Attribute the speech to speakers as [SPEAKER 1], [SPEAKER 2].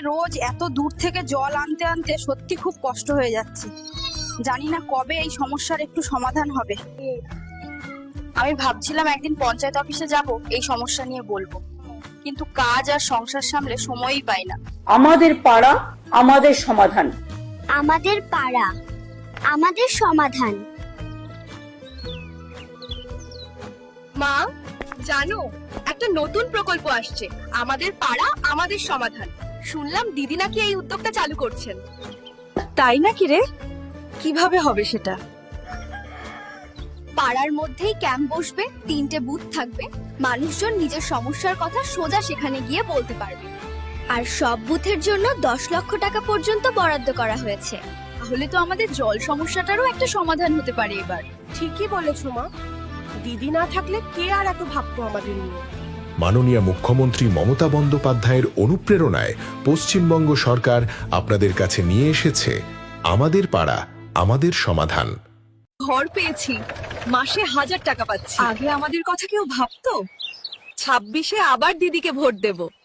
[SPEAKER 1] রোজ এত দূর থেকে জল আনতে আনতে সত্যি খুব কষ্ট হয়ে যাচ্ছে। জানি না কবে এই সমস্যার একটু সমাধান হবে। আমি ভাবছিলাম একদিন পঞ্চায়েত অফিসে যাব, এই সমস্যা নিয়ে বলবো, কিন্তু কাজ আর সংসার সামলে সময়ই পাই না।
[SPEAKER 2] আমাদের পাড়া আমাদের সমাধান।
[SPEAKER 3] আমাদের পাড়া আমাদের সমাধান।
[SPEAKER 4] মা জানো, একটা নতুন প্রকল্প আসছে, আমাদের পাড়া আমাদের সমাধান। শুনলাম দিদি নাকি এই উদ্যোগটা চালু করছেন।
[SPEAKER 1] তাই নাকি রে? কিভাবে হবে সেটা?
[SPEAKER 4] পাড়ার মধ্যেই ক্যাম্প বসবে, 3টে বুথ থাকবে, মানুষজন নিজের সমস্যার কথা সোজা সেখানে গিয়ে বলতে পারবে। আর সব বুথের জন্য 10 লক্ষ টাকা পর্যন্ত বরাদ্দ করা হয়েছে।
[SPEAKER 1] তাহলে তো আমাদের জল সমস্যাটারও একটা সমাধান হতে পারে এবার।
[SPEAKER 4] ঠিকই বলেছো মা, দিদি না থাকলে কে আর এত ভাবতো আমাদের নিয়ে।
[SPEAKER 5] মাননীয় মুখ্যমন্ত্রী মমতা বন্দ্যোপাধ্যায়ের অনুপ্রেরণায় পশ্চিমবঙ্গ সরকার আপনাদের কাছে নিয়ে এসেছে আমাদের পাড়া আমাদের সমাধান।
[SPEAKER 1] ঘর পেয়েছি, মাসে 1000 টাকা পাচ্ছি। আগে আমাদের কথা কেউ ভাবতো? 26-এ আবার দিদিকে ভোট দেব।